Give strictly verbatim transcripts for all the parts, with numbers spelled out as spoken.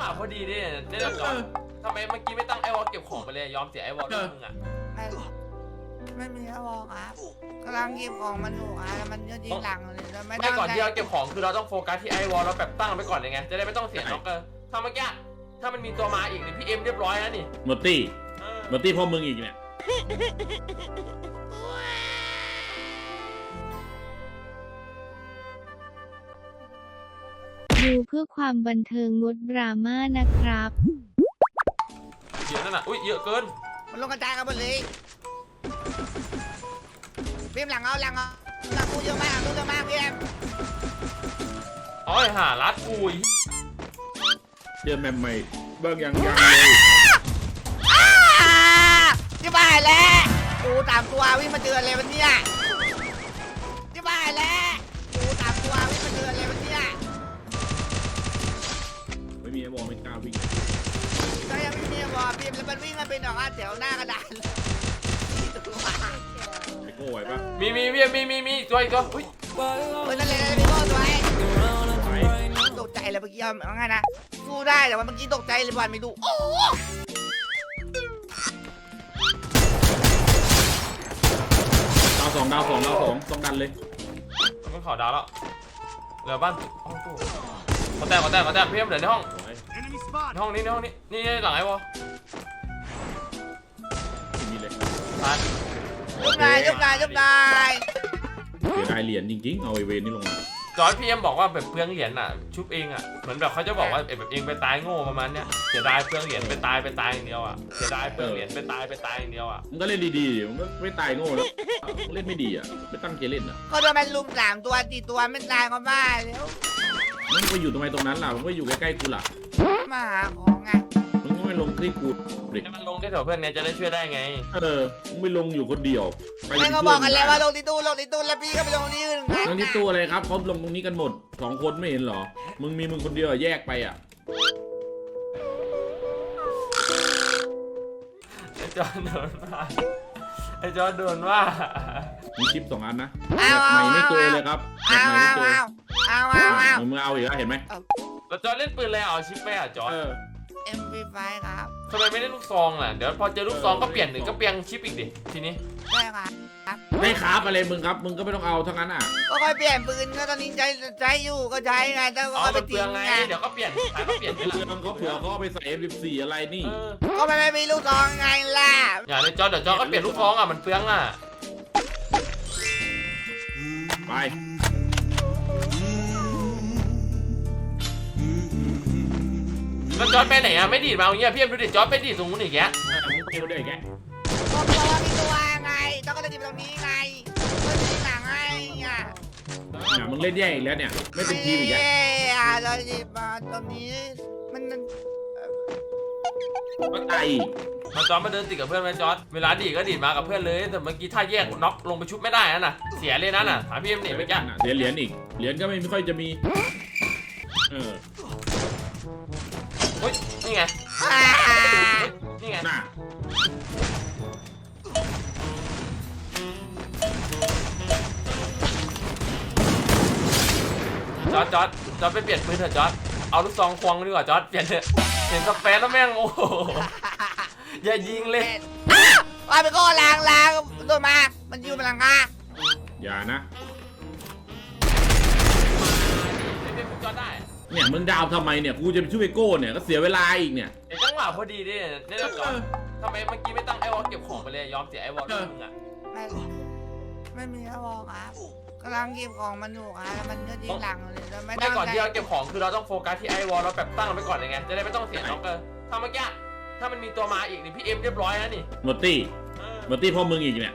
วะพอดีดิได้แล้วจอดทำไมเมื่อกี้ไม่ตั้งไอวอลเก็บของไปเลยยอมเสียไอวอลด้วยมึงอ่ะไม่ไม่มีแล้วบอกครับกำลังเก็บของมันอยู่อ่ะแล้วมันก็ยิงหลังเลยแล้วไม่ไม่ตั้งก่อนใจที่เราเก็บของคือเราต้องโฟกัสที่ไอวอลเราแบบตั้งไปก่อนเลยไงจะได้ไม่ต้องเสียน็อกเกอร์ถ้าเมื่อกี้ถ้ามันมีตัวมาอีกนี่พี่เอ็มเรียบร้อยแล้วนี่หมดตี้หมดตี้พ่อมึงอีกเนี่ยดูเพื่อความบันเทิงงดดราม่านะครับเยอะนั่นน่ะอุ้ยเยอะเกินมันลงกระจายกันหมดเลยพี่เอ็มหลังเอาหลังเอาหลังกูเยอะมากหลังกูเยอะมากพี่เอ็มอ๋อหารัดกูยเดือนใหม่ๆเบิ้งยังยังเลยที่บ้านแล้วกูตามตัววิ่งมาเจอเลยวันนี้ที่บ้านแล้วกูตามตัววิ่งมาเจอเลยวันนี้ไม่มีไอ้บอลไม่กล้าวิ่งก็ยังไม่มีบอลพี่แล้วมันวิ่งมาเป็นดอกอ่ะแถวหน้ากระดานไอ้โก้ไหวปะมีมีมีมีมีมีตัวอีกตัวอุ้ยเฮ้ยนั่นเลยพี่โก้ตัวไอ้ไหวตกใจเลยเมื่อกี้เอาไงนะสู้ได้แต่ว่าเมื่อกี้ตกใจเลยบอลไม่ดูโอ้ดาวสองดาวสองดาวสองต้องดันเลยมันขอดาวแล้วเหลือบ้านห้องตู้ขอแตกขอแตกขอแตกพี่เอ็มเหลือในห้องในห้องนี้ในห้องนี้นี่หลังไอ้วอลไม่มีเลยตายยกนายยกนายยกนายเสียดายเหรียญจริงๆเอาไอเวนนี่ลงมาจอยพี่เอ็มบอกว่าแบบเปลืองเหรียญอ่ะชุบเองอ่ะเหมือนแบบเขาจะบอกว่าแบบเองไปตายโง่ประมาณเนี้ยเสียดายเปลืองเหรียญไปตายไปตายอย่างเดียวอ่ะเสียดายเปลืองเหรียญไปตายไปตายอย่างเดียวอ่ะมึงก็เล่นดีๆมึงก็ไม่ตายโง่แล้วมึงเล่นไม่ดีอ่ะไม่ตั้งใจเล่นอ่ะก็โดนมันลุมสามตัวตีตัวไม่ตายก็บ้าแล้วมึงไปอยู่ตรงไหนตรงนั้นล่ะมึงก็อยู่ใกล้ๆกูล่ะมาหาของไงมึงก็ไม่ลงที่กูเด็กให้มันลงแค่แถวเพื่อนเนี่ยจะได้ช่วยได้ไงเออมึงไม่ลงอยู่คนเดียวไปแม่ก็บอกกันแล้วว่าลงที่ตู้ลงที่ตู้แล้วพี่ก็ไปลงที่อื่นลงที่ตู้อะไรครับเขาลงตรงนี้กันหมดสองคนไม่เห็นเหรอมึงมีมึงคนเดียวแยกไปอ่ะไอ้จอนโดนว่าไอ้จอนโดนว่ามีชิปสองอันนะเอาแบบเอาใหม่ไม่เจอเอาเลยครับแบเอาบใหม่เอาไม่เจอเอาเอาเอามึงเอาอีกแล้วเห็นไหมแล้วจอนเล่นปืนอะไรเอาชิปไปอ่ะจอนเออเอ็มพีไฟครับทำไมไม่เล่นลูกซองล่ะเดี๋ยวพอเจอลูกซองก็เปลี่ยนหนึ่งก็เปลี่ยนชิปอีกดิทีนี้ได้ครับได้ครับอะไรมึงครับมึงก็ไม่ต้องเอาทั้งนั้นอ่ะก็ค่อยเปลี่ยนปืนก็ตอนนี้ใช้ใช้อยู่ก็ใช้ไงแต่ก็อ๋อค่อยไปมันเปลืทิ้องงไงไงเดี๋ยวก็เปลี่ยนขายก็เปลี่ยนไปเพื่ละอนเขาเผื่อเขาเอาไปใส่ เอฟ สิบสี่ อะไรนี่เออก็ไม่ไม่มีลูกซองไงล่ะอย่าเลยจอนเดี๋ยวจอนก็เปลี่ยนลูกซองอ่ะมันเปลืองอ่ะไปแล้วจอนไปไหนอ่ะไม่ดีดมาอย่างเงี้ยพี่เอ็มดูดิจอนไปดีดตรงนู้นอีกแกเออมึงไปดูได้แกก็เพราะว่ามีตัวไงต้องก็เลยจีบตรงนี้ไงเพื่อนที่หลังไงอ่ะเนี่ยมึงเล่นแย่อีกแล้วเนี่ยไม่เป็นทีมอีกแล้วเย้อ่ะเราจีบมาตรงนี้มันก็ตายอีกมาจอนมาเดินติดกับเพื่อนไหมจอนเวลาดีดก็ดีดมากับเพื่อนเลยแต่เมื่อกี้ถ้าแยกน็อกลงไปชุบไม่ได้นะน่ะเสียเลยนะน่ะถามพี่เอ็มนี่เมื่อกี้เสียเหรียญอีกเหรียญก็ไม่ค่อยจะมีเออเฮ้ยนี่ไงอ่านี่ไงน่ะจอร์ดจอร์ดจอร์ดไปเปลี่ยนปืนเถอะจอร์ดเอาลูกซองควงดีกว่าจอร์ดเปลี่ยนเถอะเห็นสเปซแล้วแม่งโอ้โหอย่ายิงเลยว่าไปก็ล้างล้างตัวมา มันอยู่บนหลังคาอย่านะไม่เป็นจอร์ดได้เนี่ยมึงดาวทำไมเนี่ยกูจะไปช่วยโก้เนี่ยก็เสียเวลาอีกเนี่ยเดี๋ยวจังหวะพอดีดิได้แล้วจอร์ดทำไมเมื่อกี้ไม่ตั้งไอวอลเก็บของไปเลยยอมเสียไอวอลด้วยมึงอ่ะไม่ไม่มีแล้วบอกครับกำลังเก็บของมันอยู่ครับแล้วมันก็ยิงหลังเลยแล้วไม่ไม่ตั้งก่อนใจที่เราเก็บของคือเราต้องโฟกัสที่ไอวอลเราแบบตั้งไปก่อนเลยไงจะได้ไม่ต้องเสียน็อกเกอร์ถ้าเมื่อกี้ถ้ามันมีตัวมาอีกนี่พี่เอ็มเรียบร้อยแล้วนี่หมดตี้หมดตี้พ่อมึงอีกเนี่ย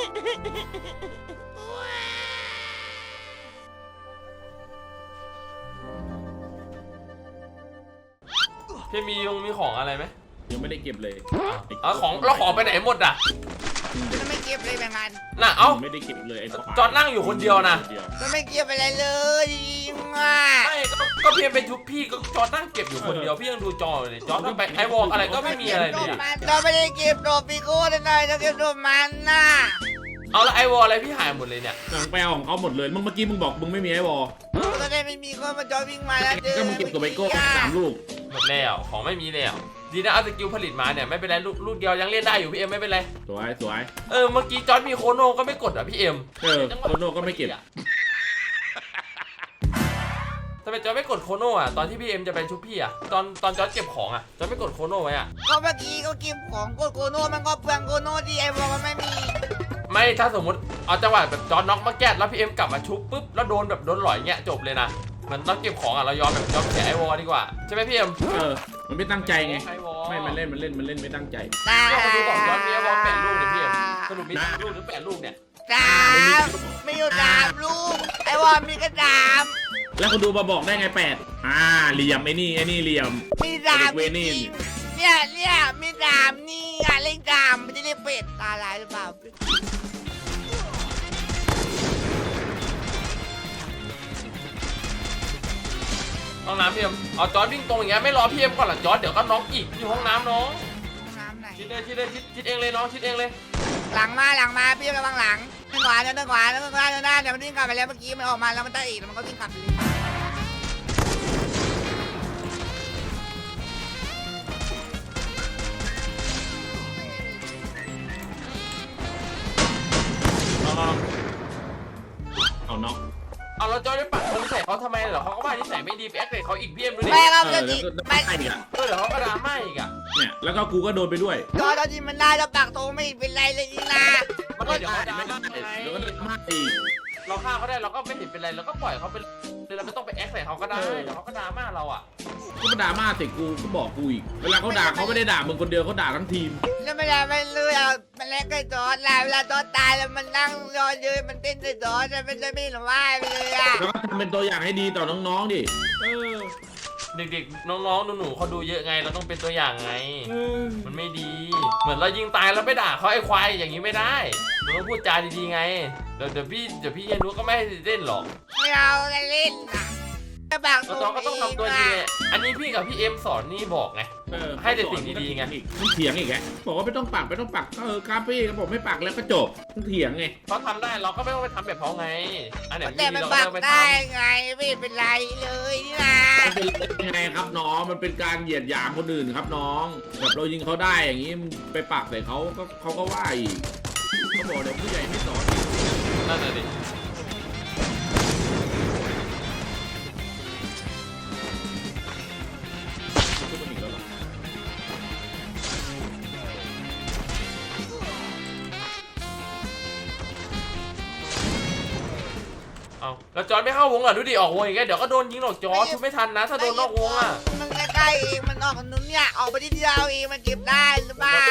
พี่มียงมีของอะไรไหมยังไม่ได้เก็บเลยเอาของเราของไปไหนหมดอ่ะมันไม่เก็บเลยแบ่งกันน่ะเอ้าไม่ได้เก็บเลยไอ้จอร์ดนั่งอยู่คนเดียวนะมันไม่เก็บอะไรเลยอ่ะไม่ก็ก็เพียงเป็นชุบพี่ก็จอร์ดนั่งเก็บอยู่คนเดียวพี่ยังดูจอเลยจอร์ดไปไอวอลอะไรก็ไม่มีอะไรเลยเราไม่ได้เก็บโดปีโก้เลยนะเราเก็บโดมันน่ะเอาแล้วไอวอลอะไรพี่หายหมดเลยเนี่ยหนังแปลของเขาหมดเลยมึงเมื่อกี้มึงบอกมึงไม่มีไอ้วอลตอนนี้ไม่มีคนมาจอยวิ่งมาแล้วก็มึงเก็บตัวไบโก้สามลูกหมดแล้วของไม่มีแล้วดีนะเอาสกิลผลิตมาเนี่ยไม่เป็นไรลูกลูกเดียวยังเล่นได้อยู่พี่เอ็มไม่เป็นไรสวยสวยเออเมื่อกี้จอร์ดมีโคโน่ก็ไม่กดอ่ะพี่เอ็มเออโคโน่ก็ไม่เก็บทำไมจอร์ดไม่กดโคโน่อ่ะตอนที่พี่เอ็มจะไปชุบพี่อ่ะตอนตอนจอร์ดเก็บของอ่ะจอร์ดไม่กดโคโน่ไว้อ่ะก็เมื่อกี้ก็กินของโกโกโน่มันก็เปลืองโกโน่ที่ไอ้บอกมันไม่มีไม่ถ้าสมมติเอาจังหวะแบบจอร์ดน็อกมาแก้แล้วพี่เอ็มกลับมาชุบปุ๊บแล้วโดนแบบโดนหลอยเงี้ยจบเลยนะเหมือนต้องเก็บของอ่ะเรายอมแบบยอมแฉไอวอลดีกว่าใช่ไหมพี่เอ็มเออมันไม่ตั้งใจไงไอวอลไม่มันเล่นมันเล่นมันเล่นไม่ตั้งใจตาก็มาดูบอกจอร์ดมีไอวอลแปดลูกเนี่ยพี่เอ็มสรุปมีสามลูกหรือแปดลูกเนี่ยสามมีอยู่สามลูกไอ้วอมีกระดามแล้วคุณดูมาบอกได้ไงแปดอ่าเหลี่ยมไอ้นี่ไอ้นี่เหลี่ยมมีสามเวจนี่ริงๆเนี่ยเนี่ยมีสามนี่อ่ะเล่นสามไม่ได้เรียกเป็ดตาลายหรือเปล่าห้องน้ำพี่เอ็มเอาจอร์ดวิ่งตรงอย่างเงี้ยไม่รอพี่เอ็มก่อนหรอจอร์ดเดี๋ยวก็น็อกอีกอยู่ห้องน้ำน้องน้ำไหนชิดเลยชิดเลยชิดชิดเองเลยน้องชิดเองเลยหลังมาหลังมาพี่ระวังหลังเดินขวาเดินขวาเดินขวาเดินหน้าเดี๋ยวมันวิ่งกลับไปแล้วเมื่อกี้มันออกมาแล้วมันได้อีกแล้วมันก็วิ่งกลับไปเลยน้องน้องเอาน็อกเอาเราจอร์ดไปปัดธงใส่เขาทำไมเหรอเขาก็ว่านิสัยไม่ดีไปแอคเลยเขาอีกพี่เอ็มดูดิแม่ครับเอจะอจิแล้วก็ไม่ได้อีกอ่ะเออเดี๋ยวเขาก็ดราม่าอีกอ่ะเนี่ยแล้วก็กูก็โดนไปด้วยจอเราจิมันได้แล้วปากโตไม่เป็นไรเลยนี่นะมันก็เดี๋ยวเขาดราไม่ม่าได้ไงแล้วก็โดนมากอีกเราฆ่าเขาได้เราก็ไม่เห็นเป็นไรเราก็ปล่อยเขาไปเราไม่ต้องไปแอคใส่เขาก็ได้เดี๋ยวเขาก็ดราม่าเราอ่ะก็มาด่ามาเสร็จกูก็บอกกูอีกเวลาเขาด่าเขาไม่ได้ด่ามึงคนเดียวเขาด่าทั้งทีมแล้วไม่ได้ไม่เลยอ่ะมันเล่นกับจอร์ดแล้วเวลาจอร์ดตายแล้วมันนั่งรอยืนมันเต้นใส่จอร์ดมันจะไม่หรือว่าไปเลยอ่ะแล้วก็ทำเป็นตัวอย่างให้ดีต่อน้องๆดิเออเด็กๆน้องๆหนูๆเขาดูเยอะไงเราต้องเป็นตัวอย่างไงเออมันไม่ดี เหมือนเรายิงตายแล้วไปด่าเขาไอ้ควายอย่างนี้ไม่ได้เราต้องพูดจาดีๆไงเดี๋ยวเดี๋ยวพี่เดี๋ยวพี่เยนุก็ไม่ให้เล่นหรอกไม่เอาเล่นนะจะปากโตเราก็ต้องทำตัวดีไงอันนี้พี่กับพี่เอ็มสอนนี่บอกไงเออให้แต่สิ่งดีๆไงมันเถียงอีกไงบอกว่าไม่ต้องปักไม่ต้องปักเออครับพี่ก็บอกไม่ปักแล้วก็จบมันเถียงไงเขาทำได้เราก็ไม่ต้องไปทำแบบเขาไงอันไหนแต่ไม่มันดีเราปากก็ไม่ทได้ไงไม่เป็นไรเลยนี่นะมันเป็นยังไงครับน้องมันเป็นการเหยียดหยามคนอื่นครับน้องแบบเรายิงเขาได้อย่างนี้มึงไปปักใส่เขาก็เขาก็ว่าอีกเขาบอกเดี๋ยวผู้ใหญ่ไม่สอนำนั่นแหละดิพูดกันอีกแล้วเหรอเอาแล้วจอร์ดไม่เข้าวงอ่ะดูดิออกวงอย่างเงี้ยเดี๋ยวก็โดนยิงหรอกจอร์ดชุบไม่ทันนะถ้าโดนนอกวงอ่ะมันใกล้ๆเองมันออกนุ้นเนี่ยออกไปที่เดียวเองมันเก็บได้หรือเปล่า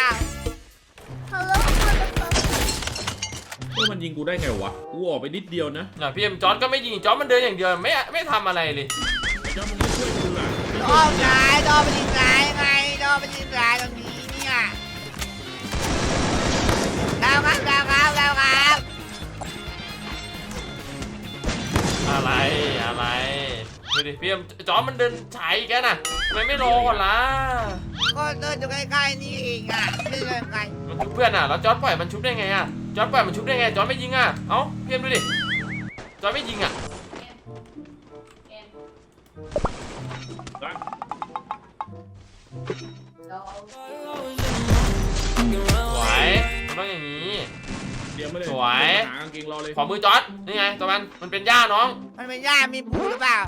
เออมันยิงกูได้ไงวะกูออกไปนิดเดียวนะน่ะพี่เอ็มจอร์ดก็ไม่ยิงจอร์ดมันเดินอย่างเดียวไม่ไม่ทำอะไรเลยไอ้เจ้ามึงไม่ช่วยกูล่ะดอมซ้ายดอมไปยิงซ้ายไงดอมไปยิงซ้ายตรงนี้เนี่ยดาวครับดาวครับดาวครับอะไรอะไรดูดิพี่เอ็มจอร์ดมันเดินฉายอีกแกน่ะทำไมไม่รอก่อนล่ะก็เดินอยู่ใกล้ๆนี่เองอ่ะไม่เดินไกลมันชุบเพื่อนอ่ะแล้วจอร์ดปล่อยมันชุบได้ไงอ่ะจอร์ดปล่อยมันชุบได้ไงจอร์ดไม่ยิงอ่ะเอ้าพี่เอ็มดูดิจอร์ดไม่ยิงอ่ะสวยมันต้องอย่างนี้เดี๋ยวไม่เลยสวยหากางเกงรอเลยขอมือจอร์ดนี่ไงตัวมันมันเป็นหญ้าน้องมันเป็นหญ้ามีปูหรือเปล่า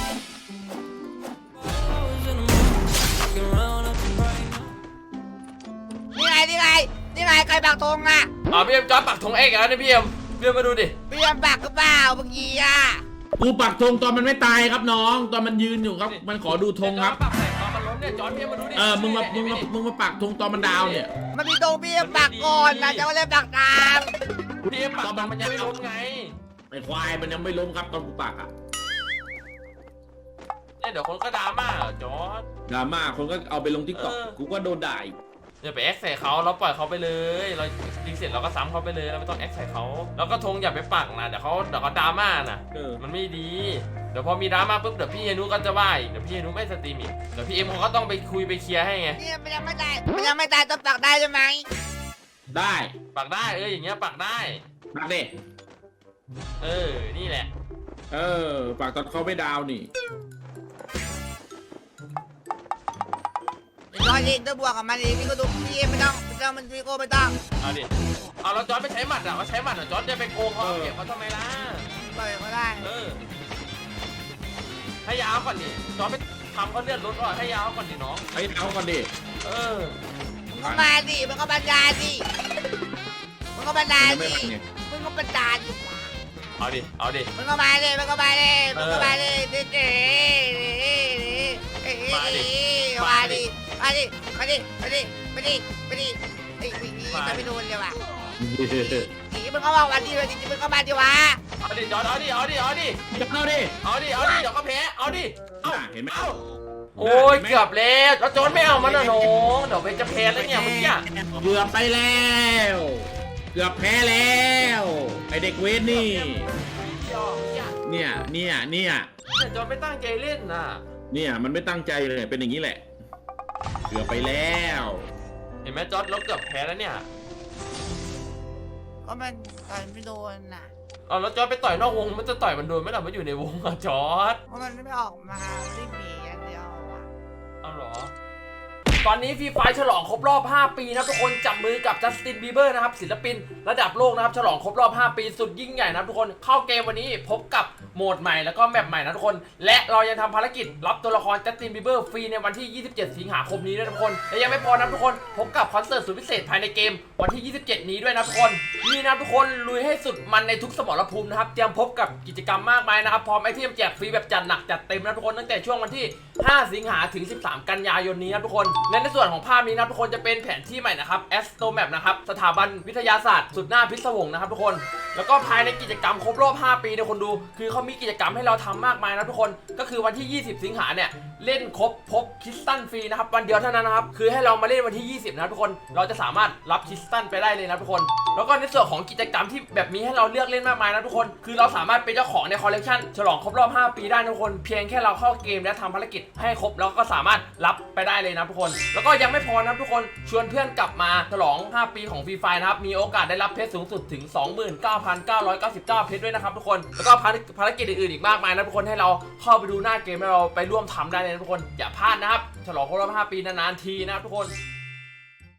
นี่ไงนี่ไงนี่ไงใครปักธงอ่ะอ๋อพี่เอ็มจอร์ดปักธงเอกแล้วนี่พี่เอ็มพี่เอ็มมาดูดิพี่ยังปักหรือเปล่าเมื่อกี้อ่ะกูปักธงตอนมันไม่ตายครับน้อง ตอนมันยืนอยู่ครับ มันขอดูธงครับจอดปักใส่ตอนมันล้มเนี่ยจอร์ดพี่เอ็มมาดูดิเออมึงมามึงมามึงมาปักธงตอนมันดาวเนี่ยมันมีตรงพี่ยังปักก่อนนะจะมาเล่นปักตามพี่เอ็มปักตอนมันยังไม่ล้มไงไอ้ควายมันยังไม่ล้มครับตอนกูปักอ่ะเนี่ยเดี๋ยวคนก็ดราม่าเหรอจอร์ดดราม่าคนก็เอาไปลงทิกตอกเออกูก็โดนด่าอีกอย่าไปแอคใส่เขาเราปล่อยเขาไปเลยเรายิงเสร็จเราก็ซ้ำเขาไปเลยเราไม่ต้องแอคใส่เขาแล้วก็ธงอย่าไปปักนะเดี๋ยวเขาเดี๋ยวเขาดราม่านะเออมันไม่ดี เดี๋ยวพอมีดราม่าปุ๊บเดี๋ยวพี่เฮนุก็จะว่าอีกเดี๋ยวพี่เฮนุไม่สตรีมอีกเดี๋ยวพี่เอ็มเขาก็ต้องไปคุยไปเคลียร์ให้ไงเนี่ยมันยังไม่ตายมันยังไม่ตายต้องปักได้ใช่ไหมได้ปักได้เอออย่างเงี้ยปักได้ปักเด็เออนี่แหละเออปักตอนเขาไม่ดาวนี่มันเองต้องบวกกับมันเองพี่ก็ดูพี่เองไม่ต้องไม่ต้องมันพี่โก้ไม่ต้องเอาดิเอาแล้วจอร์ดไปใช้หมัดอ่ะเขาใช้หมัดอ่ะจอร์ดจะไปโกงเขาเก็บเขาทำไมล่ะต่อยก็ได้เออให้ยาวก่อนดิจอร์ดไปทำเขาเลื่อนรถก่อนให้ยาวก่อนดิน้องไอ้เอาก่อนดิเออมึงก็มาดิมึงก็บรรดาดิมึงก็บรรดาดิมึงก็บรรดาดิเอาดิเอาดิมึงก็มาดิมึงก็มาดิมึงก็มาดิดิดิมาดิมาดิมาดิมาดิมาดิมาดิมาดิไอ้วิ่งนี่จะไม่โดนเลยว่ะนี่มึงก็บอกวันดีเลยดิมึงก็มาดิวะเอาดิจอร์ดเอาดิเอาดิเอาดิจะเข้าดิเอาดิเอาดิเดี๋ยวก็แพ้เอาดิเอาเห็นไหมเอาโอ้ยเกือบแล้วแล้วจอร์ดไม่เอามันนะน้องเดี๋ยวไปจะแพ้แล้วเนี่ยเมื่อกี้เกือบไปแล้ว เกือบแพ้แล้วไอเด็กเวทนี่ เนี่ยเนี่ยเนี่ยแต่จอร์ดไม่ตั้งใจเล่นน่ะเนี่ยมันไม่ตั้งใจเลยเป็นอย่างนี้แหละ เกือบไปแล้วเห็นไหมจอร์ดเราเกือบแพ้แล้วเนี่ยก็มันต่อยไม่โดนน่ะเอาแล้วจอร์ดไปต่อยนอกวงมันจะต่อยมันโดนไหมล่ะมันอยู่ในวงอะจอร์ดเพราะมันไม่ออกมาไม่มีอย่างเดียวอ่ะเอาเหรอตอนนี้ฟรีไฟฉลองครบรอบห้าปีนะทุกคนจับมือกับจัสตินบีเบอร์นะครับศิลปินระดับโลกนะครับฉลองครบรอบห้าปีสุดยิ่งใหญ่นะทุกคนเข้าเกมวันนี้พบกับโหมดใหม่แล้วก็แมปใหม่นะทุกคนและเรายังทำภารกิจรับตัวละครจัสตินบีเบอร์ฟรีในวันที่ยี่สิบเจ็ดสิงหาคมนี้ด้วยนะทุกคนและยังไม่พอนะทุกคนพบกับคอนเสิร์ตสุดพิเศษภายในเกมวันที่ยี่สิบเจ็ดนี้ด้วยนะทุกคนนี่นะทุกคนลุยให้สุดมันในทุกสมรภูมินะครับเตรียมพบกับกิจกรรมมากมายนะครับพร้อมไอเทมแจกฟรีแบบจัดหนักจัดเต็มนะทุกคนตั้งแต่ช่วงวันที่ห้าสิงหาถึงสิบสามกันยายนนี้นะทุกคนและในส่วนของภาพนี้นะทุกคนจะเป็นแผนที่ใหม่นะครับ Astro Map นะครับสถาบันวิทยาศาสตร์สุดหน้าพิศวงนะครับทุกคนแล้วก็ภายในกิจกรรมครบรอบห้าปีเนี่ยคนดูคือเขามีกิจกรรมให้เราทำมากมายนะทุกคนก็คือวันที่ยี่สิบสิงหาเนี่ยเล่นครบพบคริสตัลฟรีนะครับวันเดียวเท่านั้นนะครับคือให้เรามาเล่นวันที่ยี่สิบนะทุกคนเราจะสามารถรับคริสตัลไปได้เลยนะทุกคนแล้วก็ในส่วนของกิจกรรมที่แบบมีให้เราเลือกเล่นมากมายนะทุกคนคือเราสามารถเป็นเจ้าของในคอลเลกชันฉลองครบรอบห้าปีได้นะทุกคนเพียงแค่เราเข้าเกมและทำภารกิจให้ครบแล้วก็สามารถรับไปได้เลยนะทุกคนแล้วก็ยังไม่พอนะทุกคนชวนเพื่อนกลับมาฉลองห้าปีของฟรีไฟนะครับมีโอกาสได้รับเพชรสูงสุดถึง สองหมื่นเก้าพันเก้าร้อยเก้าสิบเก้า เพชรด้วยนะครับทุกคนแล้วก็ภารกิจอื่นๆอีกมากมายนะทุกคนให้เราเข้าไปดูหน้าเกมแล้วเราไปร่วมทำได้เลยนะทุกคนอย่าพลาดนะครับฉลองครบรอบห้าปีนานๆทีนะครับทุกคน